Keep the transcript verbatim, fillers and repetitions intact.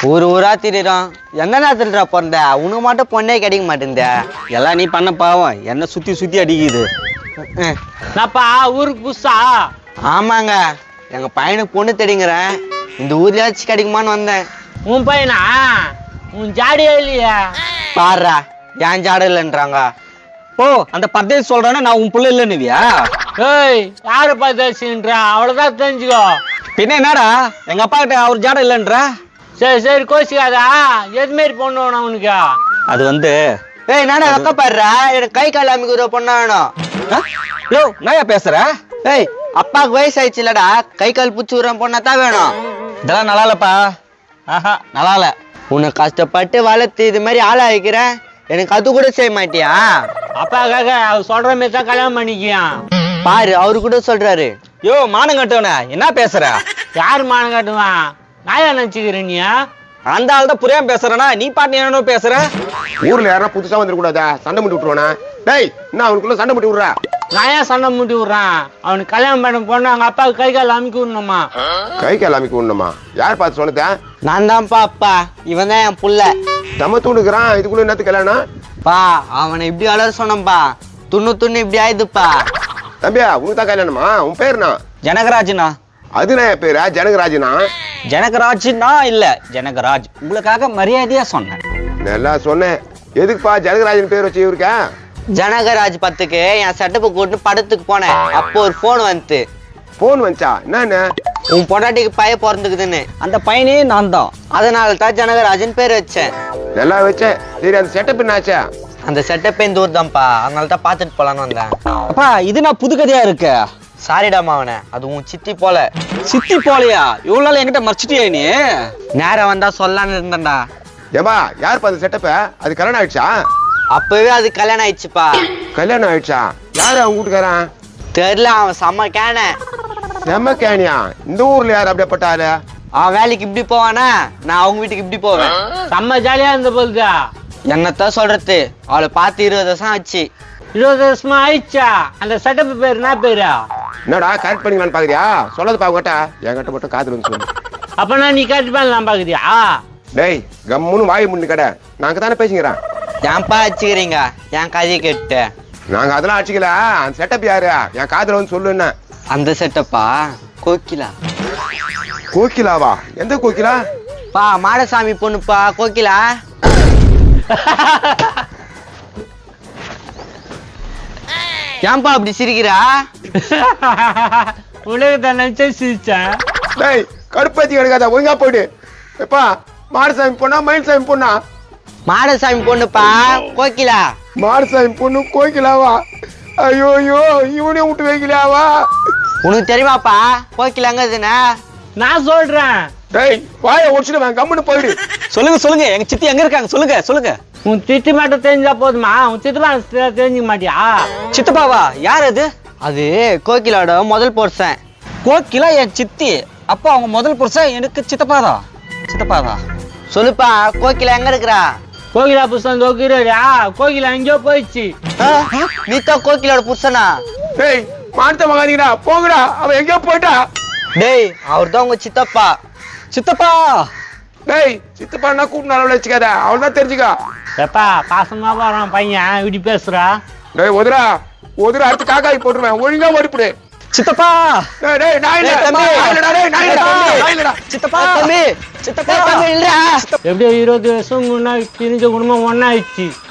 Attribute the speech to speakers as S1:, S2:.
S1: ஊர் ஊரா திரிறோம். எந்த நேரத்துலடா பிறந்த? உனக்கு மட்டும் பொண்ணே கிடைக்க மாட்டேங்குதே.
S2: எல்லாம் நீ பண்ண பாவம் என்ன சுத்தி சுத்தி அடிக்குது.
S3: நாப்பா ஊருக்கு புதுசா?
S1: ஆமாங்க, எங்க பையனுக்கு பொண்ணு தெரியுங்கிறேன். இந்த ஊர்லயாச்சும் கிடைக்குமான்னு வந்தேன்.
S3: உன் பையனா? உன் ஜாடியே இல்லையா?
S1: பாடுறா, ஏன் ஜாட இல்லைன்றாங்க.
S2: ஓ அந்த பர்தேசி சொல்றானே நான் உன் புள்ள இல்லைன்னுவியா?
S3: ஏய் யாரு பர்தேசின்றா? அவ்வளவுதான் தெரிஞ்சுக்கோ.
S2: பின்ன என்னடா எங்க அப்பா கிட்ட அவர் ஜாட இல்லைன்ற?
S3: சரி சரி கோச்சிக்காதா. எது மாரி பொண்ணு வேணும் உனக்கு?
S2: அது வந்து
S1: ஏய் நானே அக்கா பாடுறா, எனக்கு கை கால் அமைக்கிற பொண்ணா வேணும்.
S2: யோ நாயா பேசுற?
S1: ஏய் அப்பாவுக்கு வயசு ஆயிடுச்சு இல்லடா, கை கால் பூச்சி விடுற பொண்ணா தான் வேணும்.
S2: இதெல்லாம் நல்லா இல்லப்பா. ஆஹா நல்லா இல்ல.
S1: உன்னை கஷ்டப்பட்டு வளர்த்து இது மாதிரி ஆளா வைக்கிறேன், எனக்கு அது கூட செய்ய மாட்டியா?
S3: அப்பாக்காக அவர் சொல்ற மாதிரி தான் கல்யாணம் பண்ணிக்கியான்.
S1: பாரு அவரு கூட சொல்றாரு.
S2: யோ மானம் கட்டவன என்ன பேசுற?
S3: யாரு மானம் காட்டுவான்? நாயா நினைச்சுக்கிற நீ?
S2: அந்த ஆள் தான் புரியாம பேசுறனா? நீ பாட்டு என்ன பேசுற?
S4: ஊர்ல யாரா புதுசா வந்துடக்கூடாதா? சண்டை முட்டி விட்டுருவானா? டேய் என்ன அவனுக்குள்ள சண்டை முட்டி விடுறா?
S3: நான் ஏன் சண்டை முட்டி விடுறான்? அவனுக்கு கல்யாணம் பண்ண பொண்ணு அவங்க அப்பாவுக்கு கை கால் அமைக்க விடணுமா?
S4: கை கால் அமைக்க விடணுமா? யார் பார்த்து சொன்னதா?
S1: நான் தான்ப்பா அப்பா, இவன் தான் என் புள்ள.
S4: தம்ம தூண்டுக்கிறான், இதுக்குள்ள என்னத்து கல்யாணம்?
S1: பா அவனை இப்படி வளர சொன்னப்பா, துண்ணு துண்ணு இப்படி ஆயிடுப்பா.
S4: தம்பியா உனக்கு தான் கல்யாணமா? உன் பேருனா?
S2: ஜனகராஜ்னா.
S4: அதுனா என் பேரா? ஜனகராஜனா?
S2: ஜனகராஜ்னா இல்ல ஜனகராஜ். உங்களுக்காக மரியாதையா சொன்னேன்.
S4: நல்லா சொன்னேன். எதுக்குப்பா ஜனகராஜன் பேர் வச்சு இருக்கா?
S1: ஜனகராஜ் பத்துக்கு என் செட்டப்பை கூட்டு படத்துக்கு போனேன். அப்போ ஒரு போன் வந்துட்டு.
S4: போன் வந்துச்சா? என்ன?
S1: உன் பொண்டாட்டிக்கு பையன் பிறந்துக்குதுன்னு.
S2: அந்த பையனே நான் தான்.
S1: அதனால தான் ஜனகராஜன் பேர் வச்சேன்.
S4: நல்லா வச்சேன். சரி அந்த செட்டப் என்னாச்சா?
S1: அந்த செட்டப்பே இந்த ஊர் தான்ப்பா, அதனால தான் பார்த்துட்டு போலான்னு வந்தேன்.
S2: அப்பா இது நான் புது கதையா இருக்கு.
S1: சாரிடாமா அவனை, அது உன் சித்தி போல.
S2: சித்தி போலையா? இவ்வளவு நாள் என்கிட்ட மறைச்சிட்டியா நீ?
S1: நேரம் வந்தா சொல்லான்னு இருந்தேன்டா.
S4: ஏம்பா யாருப்பா அந்த செட்டப்ப? அது கல்யாணம் ஆயிடுச்சா?
S1: அப்பவே அது கல்யாணம் ஆயிடுச்சுப்பா.
S4: கல்யாணம் ஆயிடுச்சா? யாரு அவன் வீட்டுக்காரன்?
S1: தெரியல, அவன் செம்ம கேன.
S4: செம்ம கேனியா? இந்த ஊர்ல யாரு அப்படியேப்பட்டாரு?
S1: அவன் வேலைக்கு இப்படி போவானா, நான் அவங்க வீட்டுக்கு இப்படி போவேன்.
S3: செம்ம ஜாலியா இருந்த போகுதா?
S1: என்னத்தான் சொல்றது, அவளை பார்த்து இருபது வருஷம் ஆச்சு.
S3: இருபது வருஷமா ஆயிடுச்சா? அந்த செட்டப் பேர் என்ன பேரா?
S4: என்னடா கரெக்ட் பண்ணிக்கலான்னு பாக்குறியா? சொல்லது பாக்கட்டா, என்கிட்ட மட்டும் காதுல வந்து சொல்லு.
S3: அப்பனா நீ கரெக்ட் பண்ணலாம் பாக்குறியா?
S4: டேய் கம்முன்னு வாய் முன்னு கடை, நாங்க தானே பேசிக்கிறேன்.
S1: ஏன்பா அடிச்சுக்கிறீங்க என் கதையை கேட்டு?
S4: நாங்க அதெல்லாம் அடிச்சுக்கல. அந்த செட்டப் யாரு? என் காதுல வந்து சொல்லு. என்ன
S1: அந்த செட்டப்பா? கோகிலா.
S4: கோகிலாவா? எந்த கோகிலா?
S1: பா மாடசாமி பொண்ணுப்பா கோகிலா. ஏன்பா அப்படி சிரிக்கிறா?
S3: உலகத்தை நினைச்சே சிரிச்சேன்.
S4: டேய் கடுப்பாத்தி கிடக்காத, ஒழுங்கா போயிடு. எப்பா மாடசாமி பொண்ணா மயில்சாமி பொண்ணா?
S1: மாடசாமி பொண்ணுப்பா கோகிலா.
S4: மாடசாமி பொண்ணு கோகிலாவா? ஐயோ ஐயோ இவனே விட்டு வைக்கலாவா?
S1: உனக்கு தெரியுமாப்பா கோகிலா எங்கதுன்னா?
S3: நான் சொல்றேன்.
S4: டேய் வாயை ஒடிச்சுட்டு வாங்க, கம்முன்னு போயிடு.
S2: சொல்லுங்க சொல்லுங்க, எங்க சித்தி எங்க இருக்காங்க சொல்லுங்க சொல்லுங்க.
S3: உன் சித்தி மட்டும் தெரிஞ்சா போதுமா? உன் சித்தப்பா தெரிஞ்சுக்க மாட்டியா?
S2: சித்தப்பாவா? யார் அது?
S1: அது கோகிலாவோட முதல் புருஷன்.
S2: கோகிலா என் சித்தி. அப்பா அவங்க முதல் புருஷன் எனக்கு சித்தப்பாதா? சித்தப்பாதா?
S1: சொல்லுப்பா கோகிலா எங்க இருக்கிறா?
S3: கோகிலா புருஷன் தோக்கிறா? கோகிலா எங்கேயோ போயிடுச்சு.
S1: நீ தான் கோகிலோட புருஷனா?
S4: டேய் மானத்தை மகாதீங்கடா, போங்கடா, அவன் எங்கேயோ போயிட்டா.
S1: டேய் அவர் தான் உங்க சித்தப்பா.
S2: சித்தப்பா
S4: டேய் சித்தப்பான்னா கூப்பிட்டு அளவில் வச்சுக்காத, அவள் தான் தெரிஞ்சுக்கா.
S3: எப்பா பாசமா போறான் பையன், இப்படி பேசுறா?
S4: டேய் ஒதுரா ஒதுரா அடுத்து காக்காய் போட்டுருவேன், ஒழுங்கா ஓடிப்புடு.
S2: சித்தப்பா
S4: டேய் டேய் நான் இல்ல,
S1: தம்பி.
S4: நான் இல்லடா, டேய் நான் இல்லடா, நான் இல்லடா.
S2: சித்தப்பா
S1: தம்பி சித்தப்பா தம்பி இல்லடா.
S3: எப்படியோ இருபது வருஷம் முன்னாடி பிரிஞ்ச குடும்பம் ஒன்னா ஆயிடுச்சு.